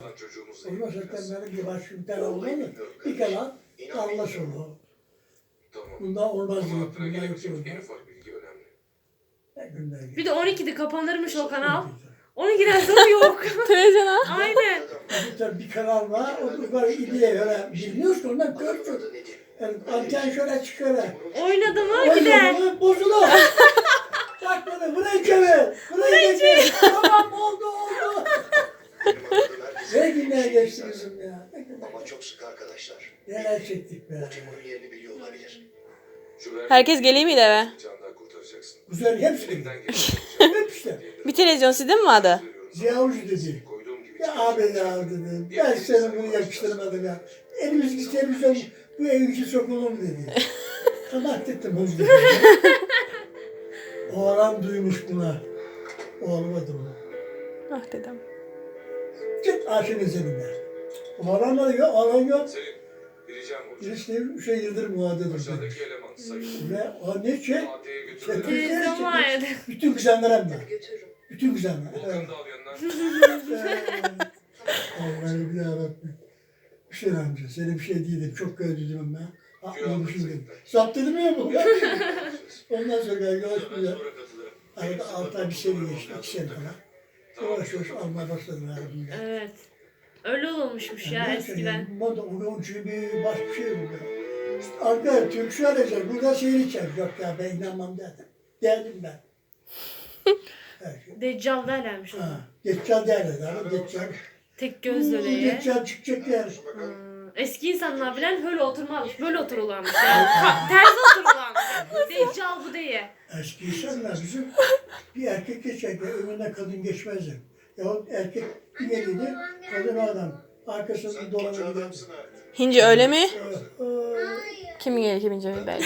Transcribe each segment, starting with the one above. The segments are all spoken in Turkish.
O zaman zaten benim bir başka bir tane olmalı. Bir kanal Allah sonu. Bundan olmaz diyor. Bundan yapıyoruz. Bir de 12'de kapanırmış o kanal. 12'den sonra yok. Televizyona. Aynen. Bir kanal var. O böyle idiye öyle bilmiyorsun. Ondan görsün. Yani anten şöyle çıkıyor. Oynadı mı gider. Bozulur. Bak bana buraya çevir. Buraya çevir. Tamam oldu. Ne günler geçti bizim ya. Ama çok sık arkadaşlar. Neler çektik be. Timur'un yerini biliyor olabilir. Herkes geleyim miydi eve? Güzel hepsi. Hep işte. Bir televizyon sizde mi vardı? Ziya Hoca dedi. Ya abi ya dedi. Ben sana bunu yakıştırmadım ya. Elimizdeki televizyon bu evin içi sokulur dedi. Tamam dedim hoca dedi. Oğlan duymuş buna. Olmadı mı? Ah dedem. Git aşın üzerinde. Oğlan da yok, oğlan yok. Senin bir ricam olacak. Birisi şey Yıldırım muhadedir. Aşağıdaki eleman sayın. Ve o ne şey? Maddeye götürülen. Televizyon vardı. Bütün güzenler hem de. Götürürüm. Bütün güzenler. Volkan'ı da al yanına. Allah'ım yarabbim. Hüseyin amca, seni bir şey değildim. Çok gördüm ben. Aklımmışım dedim. Zapt dedim ya bu. Ondan sonra yavaş Sonra katılırım. arada 6 ay bir sene geçti. 2 sene falan. Yavaş yavaş almaya başladım herhalde. Evet. Öyle olmuşmuş ya eskiden. Moda, onun için bir başka bir şey yok. Arkadaşlar Türk söyleyecek. Burada şehir içer. Yok ya ben inanmam dedim. Derdim ben. Her şey. Deccal derlermiş ona. Ha, Deccal derler. Deccal. Tek göz döneye. Deccal çıkacak yer. Eski insanlar bilen böyle oturmazmış. Böyle otururlarmış. Yani ters otururlarmış. Deccal bu diye. Eski insanlar bizim bir erkek geçerken önüne kadın geçmezdi. Yahut erkek bir geliydi, kadın o adam. Arkasından dolana giderdi. Hinci öyle mi? Ee, Kimin gelir kimin cemi belli.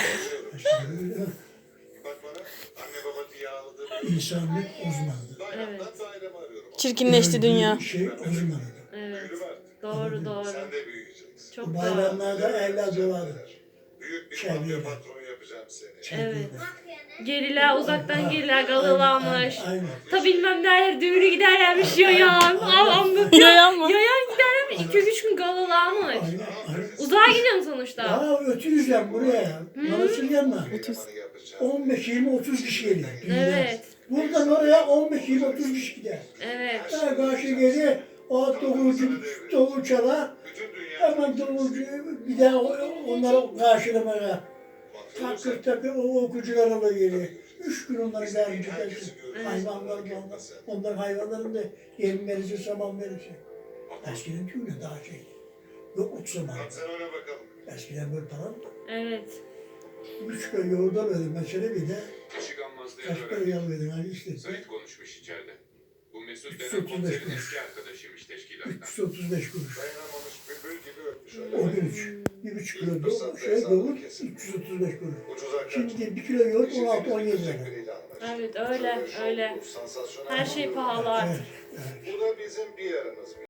Bak bana anne baba diye ağladı. İnsanlık uzmanı. Evet. Çirkinleşti dünya. Şey uzmanı. Evet. Doğru doğru. Sen de büyüyeceksin. Çok doğru. Bayramlarda eller dolardı. Büyük bir Çevre. mafya patronu yapacağım seni. Evet. Geriler uzaktan geriler galılanmış. Aynen. Ta bilmem derler düğünü giderlermiş yayan. Anlatıyor. Yayan mı? Yayan giderlermiş. 2-3 gün galılanmış. Aynen. Uzağa gidiyorum sonuçta. Ya ötürüzden buraya. Manasır yanına. 15, 20, 30 kişi geliyor. Evet. Buradan oraya 15, 20, 30 kişi gider. Evet. Daha karşı geri o davulcu çalar. Bütün dünya Hemen davulcu bir daha onları karşılamaya. Takır o okucularla geliyor. 3 gün onları yardımcı edersin. Onların hayvanların da yem verirse, saman verirse. Eskiden tüyle daha şeydi. Yok ot saman. sen ona bakalım. Eskiden böyle tamam. Evet. 3 kilo yoğurda verdim mesela bir de. Işıkanmazlığı Kaç para yal verdim hani işte. Sait konuşmuş içeride. Bu Mesut 335 denen komiserin kuruş. eski arkadaşıymış teşkilattan. 335 kuruş. Dayanamamış bülbül gibi öpmüş. O gün 1,5 kilo yoğurt 335 kuruş. Ucuza Şimdi 1 kilo yoğurt 16-17 lira. Evet öyle öyle. Her şey pahalı artık. Evet, evet. Bu da bizim bir yarımız.